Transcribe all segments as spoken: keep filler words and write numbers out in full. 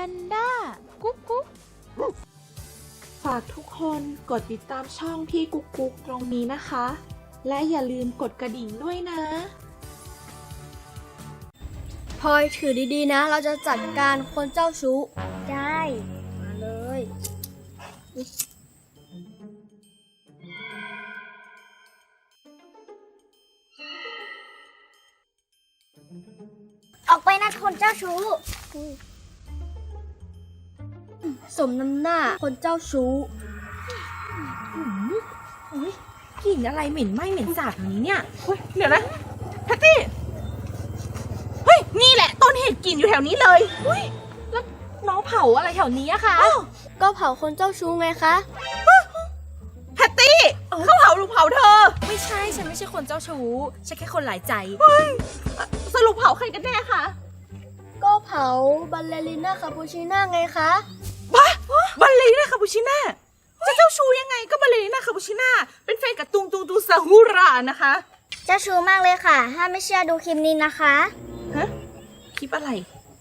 นด้ากุ๊กกุ๊กฝากทุกคนกดติดตามช่องพี่กุ๊กกุ๊กตรงนี้นะคะ และอย่าลืมกดกระดิ่งด้วยนะพลอยถือดีๆนะเราจะจัดการคนเจ้าชู้ได้มาเลยออกไปนะคนเจ้าชู้สมน้ำหน้าคนเจ้าชู้อุ้ยกลิ่นอะไรเหม็นไหม้เหม็นสาบอย่างนี้เนี่ยเฮ้ยเดี๋ยวนะแพตตี้เฮ้ยนี่แหละต้นเหตุกลิ่นอยู่แถวนี้เลยเฮ้ยแล้วน้องเผาอะไรแถวนี้อะคะก็เผาคนเจ้าชู้ไงคะแพตตี้เขาเผาหรือเผาเธอไม่ใช่ฉันไม่ใช่คนเจ้าชู้ฉันแค่คนหลายใจสรุปเผาใครกันแน่คะก็เผาบัลเลริน่าคาปูชิน่าไงคะบ้าบัลเลริน่าคาปูชิน่าจะเจ้าชู้ยังไงก็บัลเลริน่าคาปูชิน่าเป็นแฟนกับตุงตุงตุงซาฮูรานะคะเจ้าชู้มากเลยค่ะถ้าไม่เชื่อดูคลิปนี้นะคะฮะคลิปอะไร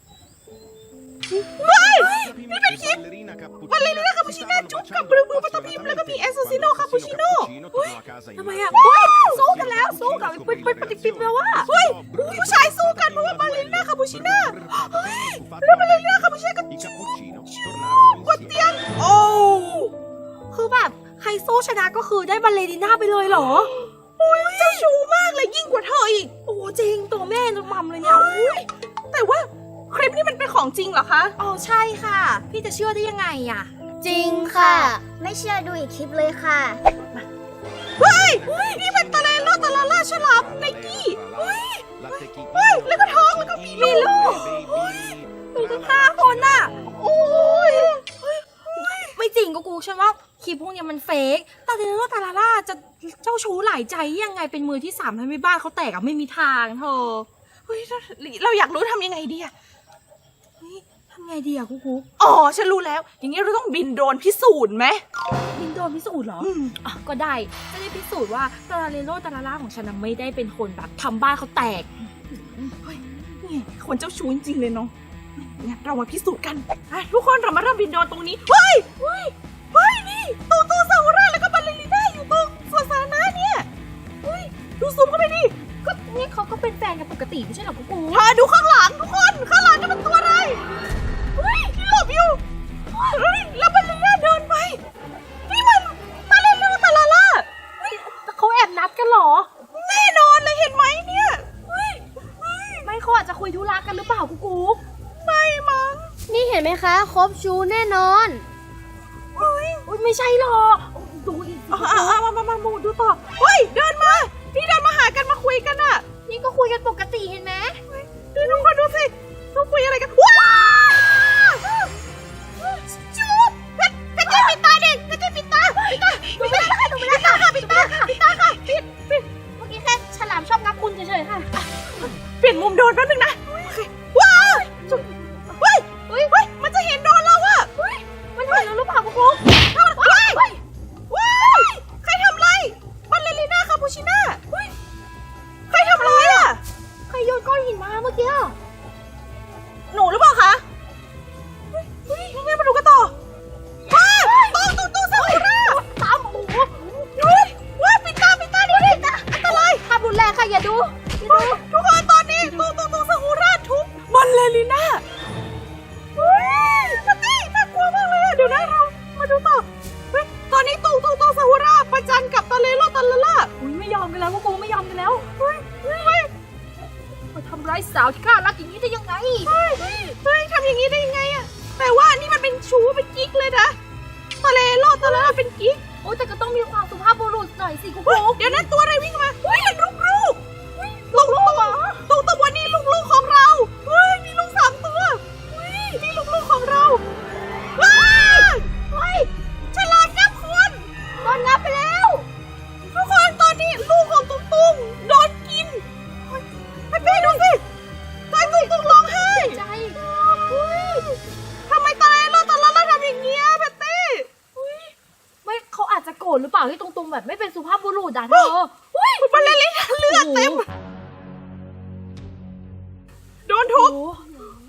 เฮ้ยนี่เป็นคลิปบัลเลริน่าคาปูชิน่าจุ๊บกับบลูบลูปัตตพิมแล้วก็มีเอสโซซิโน่คาปูชิโน่ทำไมอะสู้กันแล้วสู้กับเป็นเป็นปฏิปิมแล้วว่าเฮ้ยผู้ชายสู้กันเพราะว่าบัลเลริน่าคาปูชิน่าเฮ้ยแล้วบัลเลริน่าคาปูชิน่าก็จุ๊บบนเตียงโอ้คือแบบใครสู้ชนะก็คือได้บัลเลริน่าไปเลยเหรอโอ้ยเจ้าชู้มากเลยยิ่งกว่าเธออีกโอ้จริงตัวแม่ตัวมัมเลยเนี่ยแต่ว่าคลิปนี้มันเป็นของจริงเหรอคะอ๋อใช่ค่ะพี่จะเชื่อได้ยังไงอะจริงค่ะไม่เชื่อดูอีกคลิปเลยค่ะเฮ้ยนี่เป็นตะเลโลตะลาล่าฉลามไนกี้เฮ้ยเฮ้ยแล้วก็ท้องแล้วก็มีลูกมีตั้งห้าคนน่ะโอ้ยไม่จริงกูกูฉันว่าคลิปพวกนี้มันเฟกตาเดโลตาลาล่าจะเจ้าชู้หลายใจยังไงเป็นมือที่สามทำให้บ้านเขาแตกอะไม่มีทางเธอเฮ้ยเราอยากรู้ทำยังไงดีอะทำไงดีอะกูกูอ๋อฉันรู้แล้วอย่างนี้เราต้องบินโดรนพิสูจน์ไหมบินโดรนพิสูจน์เหรออ่ะก็ได้จะได้พิสูจน์ว่าตาเดโลตาลาล่าของฉันไม่ได้เป็นคนแบบทำบ้านเขาแตกเฮ้ยนี่คนเจ้าชู้จริงๆเลยเนาะงั้นเรามาพิสูจน์กันทุกคนเรามาเริ่มบินโดรนตรงนี้เฮ้ยเฮ้ยเฮ้ยนี่ตูตูซาฮูราแล้วก็บัลเลริน่าอยู่ตรงสวนสาธารณะเนี่ยเฮ้ยดูซูมเข้าไปดิก็นี่เขาก็เป็นแฟนกันปกติไม่ใช่หรอกูกูเธอดูข้างหลังทุกคนข้างหลังจะเป็นตัวอะไรเฮ้ยที่หลบอยู่เฮ้ยแล้วบัลเลริน่าเดินไปนี่มันตาเลโลตาลาล่าเขาแอบนัดกันหรอแน่นอนเลยเห็นไหมเนี่ยไม่เขาอาจจะคุยธุระกันหรือเปล่ากูกูไม่มั้งนี่เห็นไหมคะครบชูแน่นอนเฮ้ยไม่ใช่หรอกดูอีกมามามามาดูต่อเฮ้ยเดินมานี่เดินมาหากันมาคุยกันอ่ะนี่ก็คุยกันปกติเห็นไหมดูทุกคนดูสิเขาคุยอะไรกันว้าวจูบเพชรเพชรปิดตาเด็กเพชรปิดตาปิดตาดูไม่ได้ดูไม่ได้ค่ะปิดตาค่ะปิดตาค่ะปิดปิดเมื่อกี้แค่ฉลามชอบงับคุณเฉยๆค่ะเปลี่ยนมุมโดนแป๊บนึงนะว้าวเฮ้ยเฮ้ยเฮ้ยมันจะเห็นโดนเราอะเฮ้ยมันเห็นเราหรือเปล่ากูว้ายว้ายใครทำไรบัลเลริน่าคาปูชิน่าใครทำไรอะใครโยนก้อนหินมาเมื่อกี้อ่ะหนูหรือเปล่าคะเฮ้ยยังไงมาดูกันต่อว้ายตู้ตู้ตู้ซาฮูราตามโอ้โหว้ายปิดตาปิดตาดิปิดตาอันตรายทำรุนแรงค่ะอย่าดูทุกคนตอนนี้ตู้ตู้ตู้ซาฮูราทุบบัลเลริน่าเฮ้ยนัตตี้น่ากลัวมากเลยเดี๋ยวนะเรามาดูต่อเฮ้ยตอนนี้ตู้ตู้ตู้ซาฮูราประจันกับตาเลโลตาลาล่าอุ้ยไม่ยอมกันแล้วกูไม่ยอมกันแล้วเฮ้ยเฮ้ยมาทำร้ายสาวที่กล้ารักอย่างนี้ได้ยังไงเฮ้ยเฮ้ยทำอย่างนี้ได้ยังไงอะแต่ว่านี่มันเป็นชู้เป็นกิ๊กเลยนะตาเลโลตาลาล่าเป็นกิ๊กโอ้แต่ก็ต้องมีความสุภาพบุรุษหน่อยสิกูเดี๋ยวนั้นตัวอะไรวิ่งมาเฮ้ยมันลูกลูกลูกลูกตัวตัวนี้ลูกลูกของเราเฮ้ยมีลูกสามตัวเฮ้ยนี่ลูกลูกของเราว้าวเฮ้ยฉลาดงับคนโดนงับไปแล้วทุกคนตอนนี้ลูกของตุ้งตุ้งโดนกินให้เป้ดูสิตายตุ้งตุ้งร้องไห้ใจทำไมตายเราตอนเราเราทำอย่างเงี้ยแพตตี้ไม่เขาอาจจะโกรธหรือเปล่าที่ตรงๆแบบไม่เป็นสุภาพบุรุษอ่ะเธอมันเละเลือดเต็มโดนทุบ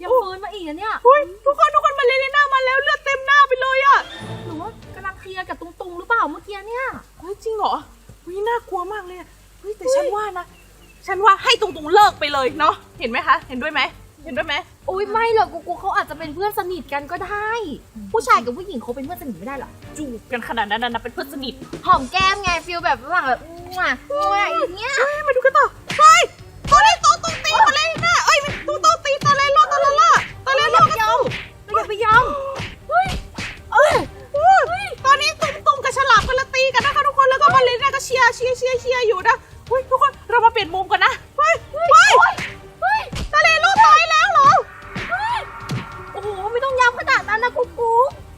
ยังฟื้นมาอีกนะเนี่ยเฮ้ยทุกคนทุกคนมาเลเลน่ามาแล้วเลือดเต็มหน้าไปเลยอะหรือว่ากำลังเคลียร์กับตุงตุงหรือเปล่าเมื่อกี้เนี่ยเฮ้ยจริงเหรอเฮ้ยน่ากลัวมากเลยอะเฮ้ยแต่ฉันว่านะฉันว่าให้ตุงตุงเลิกไปเลยเนาะเห็นไหมคะเห็นด้วยไหมเห็นด้วยไหมโอ้ยไม่หรอกกูกูเขาอาจจะเป็นเพื่อนสนิทกันก็ได้ ผู้ชายกับผู้หญิงเขาเป็นเพื่อนสนิทไม่ได้หรอจูบกันขนาดนั้นนะเป็นเพื่อนสนิทหอมแก้มไงฟิลแบบระหว่างแบบมั่วมั่วอย่างเงี้ยเฮ้ยมาดูกันต่อเฮ้ยตอนนี้ตุงตุงตีมาเลยนะเอ้ยตุงตุงตีตะเลโลตะละล่าตะเลโลก็สู้เราอย่าไปยอมเฮ้ยเอ้ยตอนนี้ตุงตุงกับฉลามกันละตีกันนะคะทุกคนแล้วก็มาเลน่าก็เชียร์เชียร์เชียร์เชียร์อยู่นะเฮ้ยทุกคนเรามาเปลี่ยนมุมกันนะเฮ้ยเฮ้ยเฮ้ยตะเลโลตายแล้วเหรอโอ้โหไม่ต้องย้ำขนาดนั้นนะกูกู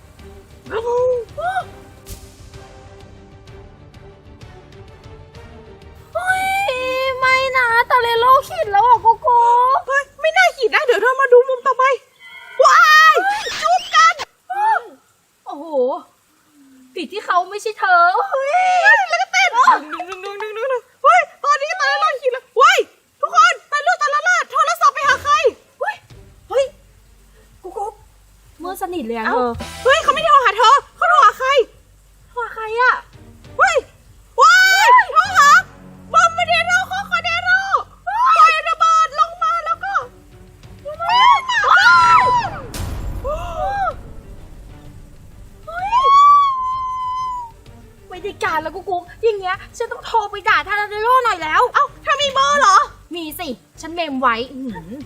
เฮ้ยไม่นะตาเลโลขิดแล้วอ่ะกูกูเฮ้ยไม่น่าขีดนะเดี๋ยวเรามาดูมุมต่อไปว้ายจูบกันโอ้โหผิดที่เขาไม่ใช่เธอเฮ้ยแล้วก็เต้นหนึ่งหนึ่งหนึ่งหนึ่งหนึ่งหนึ่งเฮ้ยตอนนี้ตะเลโลขีดแล้วเฮ้ยทุกคนตะลุตะละลาโทรศัพท์ไปหาใครเฮ้ยเฮ้ยกูกูเมื่อสนิทเลยอะเอ้าเธอเฮ้ยเขาไม่ได้โทรหาเธอเขาโทรหาใครโทรใครอะเฮ้ยว้ายโทรหาบอมบ์เดโรโคโคเดโรปล่อยระเบิดลงมาแล้วก็ว้าวเฮ้ยไม่ได้การแล้วกูกูอย่างเงี้ยฉันต้องโทรไปด่าทาราเดโรหน่อยแล้วเอ้าเธอมีเบอร์เหรอมีสิ ฉันเมมไว้อื้อหือ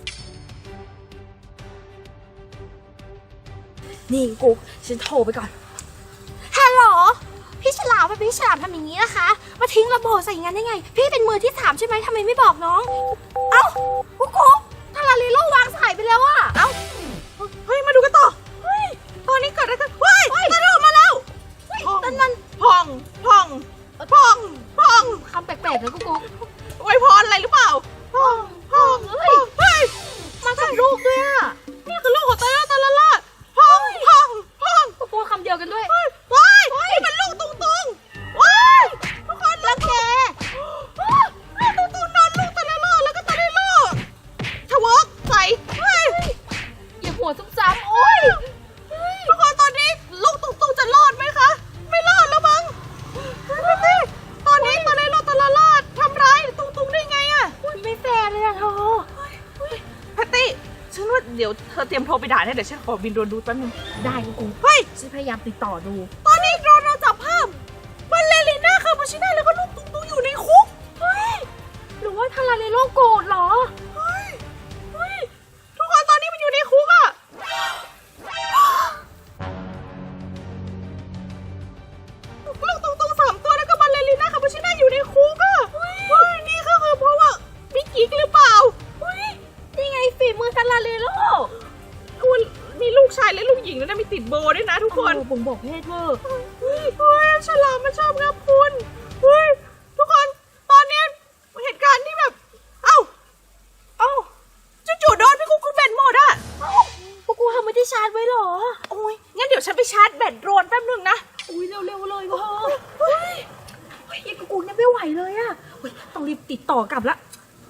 นี่กุ๊กฉันโทรไปก่อน ฮัลโหล พี่ฉลามพี่ฉลามทำอย่างนี้นะคะ มาทิ้งระเบิดใส่งั้นได้ไง พี่เป็นมือที่สามใช่ไหมทำไมไม่บอกน้อง เอ้ากุ๊กกุ๊กทาราเดโรวางสายไปแล้วอะเอ้าเฮ้ยมาดูกันต่อเฮ้ยตอนนี้เกิดอะไรขึ้นเฮ้ยตะลุมาแล้วนั่นมันพองพองพองพองคำแปลกๆนะกุ๊กกุ๊กอวยพรอะไรหรือเปล่าพองพองเฮ้ยเฮ้ยมากับลูกด้วยอะนี่คือลูกของตะละตะละลาพองพองพองกุ๊กกุ๊กคำเดียวกันด้วยว้ายนี่มันลูกตุงตุงว้ายทุกคนรักแกตุงตุงนอนลูกตะละลาแล้วก็ตะละลาทะเวิร์กใส่เฮ้ยอย่าหัวซ้ำๆโอ๊ยทุกคนตอนนี้ลูกตุงตุงจะรอดไหมคะ ไม่รอดแล้วมั้งตอนนี้ตะละลาตะละลาทำร้ายตุงตุงได้ไงอะไม่แฟร์เลยอะเธอแพตตี้ฉันว่าเดี๋ยวเธอเตรียมโทรไปด่าเนี่ยเดี๋ยวฉันขอบินโดรนดูแป๊บนึงได้กูกูเฮ้ยฉันพยายามติดต่อดูตอนนี้โดรนเราจับภาพมันเลลิน่าคาปูชิน่าแล้วก็ลูกตุงตุงอยู่ในคุกเฮ้ย หรือว่าทาราเรโลโกรธเหรอเฮ้ยเฮ้ยทุกคนตอนนี้มันอยู่ในคุกอะลูกตุงตุงสามตัวแล้วก็มันเลลิน่าคาปูชิน่าอยู่ในคุกอะเฮ้ยนี่ก็คือเพราะว่ามีกิ๊กหรือเปล่าเฮ้ย นี่ไงฝีมือทาราเรโลคุณมีลูกชายและลูกหญิงแล้วนะมีติดโบด้วยนะทุกคนโอ้บ่งบอกเพศเธอเฮ้ยฉลามมันชอบงับคุณเฮ้ยทุกคนตอนเนี้ยเหตุการณ์ที่แบบ เอ้า เอ้าจู่ๆโดนพี่กุ๊กกูแบตหมดอะพวกกูทำไม่ได้ชาร์จไว้เหรอโอ้ยงั้นเดี๋ยวฉันไปชาร์จแบตโดรนแป๊บนึงนะอุ้ยเร็วๆเลยเธอเฮ้ย เฮ้ยไอ้กูกูเนี่ยไม่ไหวเลยอะเฮ้ยต้องรีบติดต่อกลับละ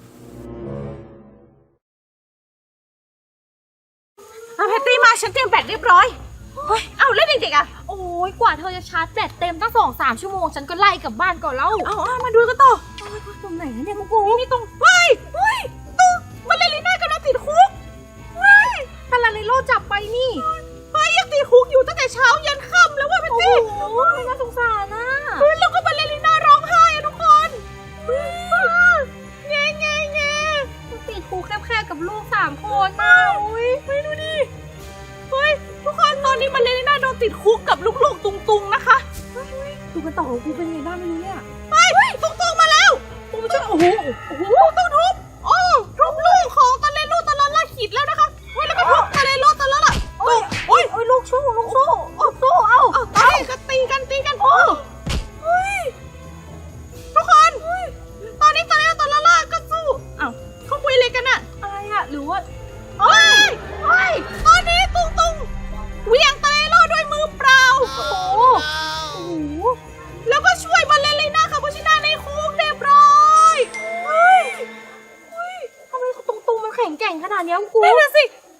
อ่ะแพตตี้มาฉันเตรียมแบตเรียบร้อยเฮ้ยเอ้าแล้วเด็กๆอะโอ้ยกว่าเธอจะชาร์จแบตเต็มตั้งสองสามชั่วโมงฉันก็ไล่กลับบ้านก่อนแล้วเอาเอามาดูกันต่อโอ้ยตรงไหนนะเนี่ยกูกูนี่ตรงเฮ้ยเฮ้ยตรงมันเลลิน่ากำลังติดคุกเฮ้ยทาราเรโลจับไปนี่เฮ้ยยังติดคุกอยู่ตั้งแต่เช้ายันค่ำแล้วว่ะแพตโอ้ตี้โหน่าสงสารนะเฮ้ยแล้วก็มาเลลิน่าร้องไห้อะทุกคนแง่แง่แง่ติดคุกแคบๆกับลูกสามคนน่ะอุ้ยเฮ้ยดูดิเฮ้ยทุกคนตอนนี้มาเลลิน่าโดนติดคุกกับลูกๆตุงๆนะคะดูกันต่อกูเป็นไงบ้างไม่รู้เนี่ยเฮ้ยตุงๆมาแล้วกูไม่ใช่โอ้โหโอ้โหต้องทุบโอ้ทุบลูกของตะเลโลตะละละขีดแล้วนะคะเฮ้ยแล้วก็ทุบตะเลโลตะละละโอ้ยโอ้ยโอ้ยลูกชู้ลูกชู้โอ้สู้เอ้าเอาตายก็ตีกันตีกันโอ้เฮ้ยทุกคนตอนนี้ตะเลโลตะละละก็สู้เอ้าเขาคุยอะไรกันอะอะไรอะหรือว่าเฮ้ยเฮ้ยตอนนี้ตุงตุงเหวี่ยงตะเลโลด้วยมือเปล่าโอ้โหโอ้โหแล้วก็ช่วยมาเลลิน่าคาปูชิน่าในคุกเรียบร้อยเฮ้ยทำไมตุงตุงมันแข็งเก่งขนาดเนี้ยกูนั่นน่ะสิ